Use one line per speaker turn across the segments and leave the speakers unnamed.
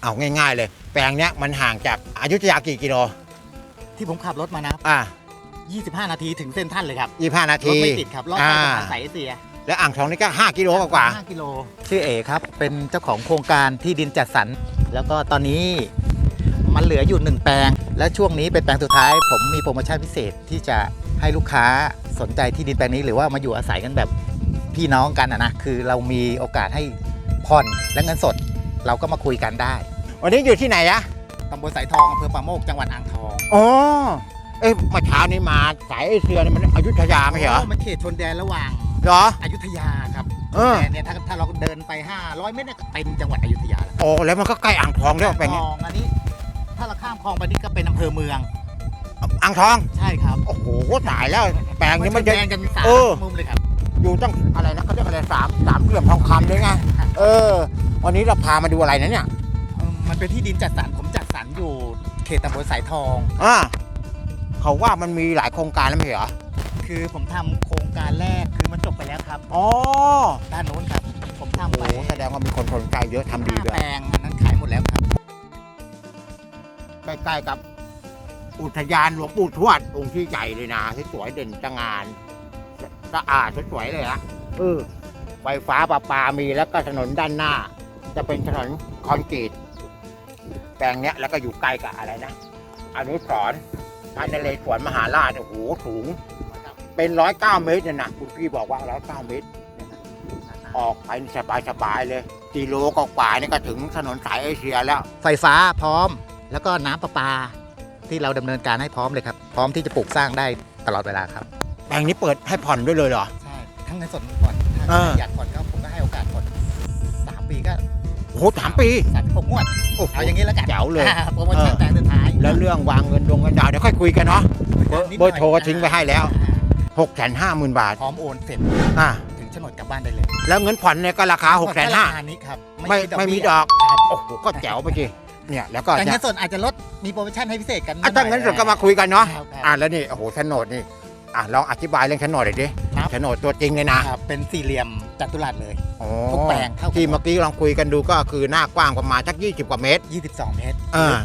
เอาง่ายๆเลยแปลงเนี้ยมันห่างจากอยุธยากี่กิโล
ที่ผมขับรถมานะ25 นาทีถึงเส้นท่านเลยครับ
25 นาที
รถไม่ติดครับรอดใต้สะพานสายเอเชีย
และอ่างทองนี่ก็5 กิโลกว่า
5 กิโลชื่อเอครับเป็นเจ้าของโครงการที่ดินจัดสรรแล้วก็ตอนนี้มันเหลืออยู่1แปลงและช่วงนี้เป็นแปลงสุดท้ายผมมีโปรโมชั่นพิเศษที่จะให้ลูกค้าสนใจที่ดินแปลงนี้หรือว่ามาอยู่อาศัยกันแบบพี่น้องกันนะคือเรามีโอกาสให้ผ่อนและเงินสดเราก็มาคุยกันได้
วันนี้อยู่ที่ไหนอะ
ตำบลสายทองอำเภอป่าโมกจังหวัดอ่างทอง
อ๋อเมื่อเช้านี้มาสายเอเชียนี่มันอยุธยาไม่ใช่เหรอ
มันเขตชนแดนระหว่าง
เหรอ
อยุธยาครับแต่เนี่ยถ้าเราเดินไป500 เมตรก็เป็นจังหวัดอยุธยาแล้ว
โอ้แล้วมันก็ใกล้อ่างทองด้วยเป็นไง
อันนี้ถ้าเราข้ามคลองไปนี่ก็เป็นอำเภอเมือง
อ่างทอง
ใช่ครับ
โอ้โหตายแล้วแปลงนี้มัน
จะแดงกัน3 มุมเลยครับ
อยู่ตั้งอะไรนะเขาเรียกอะไรสามเหลี่ยมทองคำด้วยไงวันนี้เราพามาดูอะไรนะเนี่ย
มันเป็นที่ดินจัดสรรผมจัดสรรอยู่เขตตำบลสายทอง
เขาว่ามันมีหลายโครงการแล้วไม่เหรอ
คือผมทำโครงการแรกคือมันจบไปแล้วครับด้านโน้นครับผมทำไป
แสดงว่ามีคนสนใจเยอะทำดีด้วย
แปลงนั้นขายหมดแล้วครับ
ใกล้ๆกับอุทยานหลวงปู่ทวดองค์ที่ใหญ่เลยนะที่สวยเด่นตระงานสะอาดสวยเลยนะไฟฟ้าประปามีแล้วก็ถนนด้านหน้าจะเป็นถนนคอนกรีตแปลงเนี้ยแล้วก็อยู่ใกล้กับอะไรนะอนุสรณ์พระนเรศวรมหาราชโอ้โหสูงเป็น109 เมตรเนี่ยนะคุณพี่บอกว่า109 เมตรออกไปสบายเลยกิโลกว่านี่ก็ถึงถนนสายเอเชียแล้ว
ไฟฟ้าพร้อมแล้วก็น้ำประปาที่เราดำเนินการให้พร้อมเลยครับพร้อมที่จะปลูกสร้างได้ตลอดเวลาครับ
แปลงนี้เปิดให้ผ่อนด้วยเลยเหรอ
ใช่ทั้งเงินสดเงินผ่อนถ้าอยากผ่อนก็ผมก็ให้โอกาสผ่อน3 ปีก็
โอ้โห3 ปี
36 งวดเอาอย่างนี้แล้วกัน
แจ๋วเลย
โปรโมชั่นแต่สุดท้าย
แล้วเรื่องวางเงินดวงเงินดาวเดี๋ยวค่อยคุยกันเนาะเบอร์โทรก็ทิ้งไว้ให้แล้ว650,000 บาท
พร้อมโอนเสร็จถึงโฉนดกลับบ้านได้เลย
แล้วเงินผ่อนเนี่ยก็ราคา
650,000นี้ครับ
ไม่มีดอกโอ้โหก็แจ๋วไปจีเนี่ยแล้วก็
แต่เงินสดอาจจะลดมีโปรโมชั่นให้พิเศษกัน
ถ้าเงินสดก็มาคุยกันเนาะแล้วนี่โอ้โหโฉนดนี่ลองอธิบายเรื่องโฉนดหน่อยดิโฉนดตัวจริงเลยนะ
เป็นสี่เหลี่ยมจัตุรัสเลยทุกแปลง
ที่เมื่อกี้ลองคุยกันดูก็คือหน้ากว้างประมาณสัก20 กว่าเมตร
22 เมตร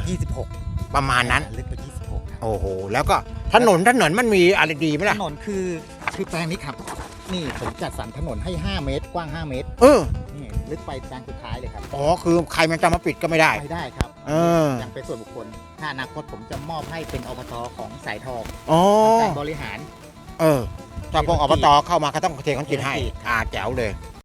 26
ประมาณนั้น
ลึกไป26
โอ้โหแล้วก็ถนนมันมีอะไรดีไหมล่ะ
ถนนคือแปลงนี้ครับนี่ผมจัดสรรถนนให้5 เมตรกว้าง 5 เมตรนี่ลึกไปแปลงสุดท้ายเลยครับ
คือใครมันจะมาปิดก็ไม่ได้
ครับยังเป็นส่วนบุคคลถ้าอนาคตผมจะมอบให้เป็นอบตของสายทองการบริหาร
ถ้าพวกอบตเข้ามาก็ต้องเทคอนกรีตให้แจ๋วเลย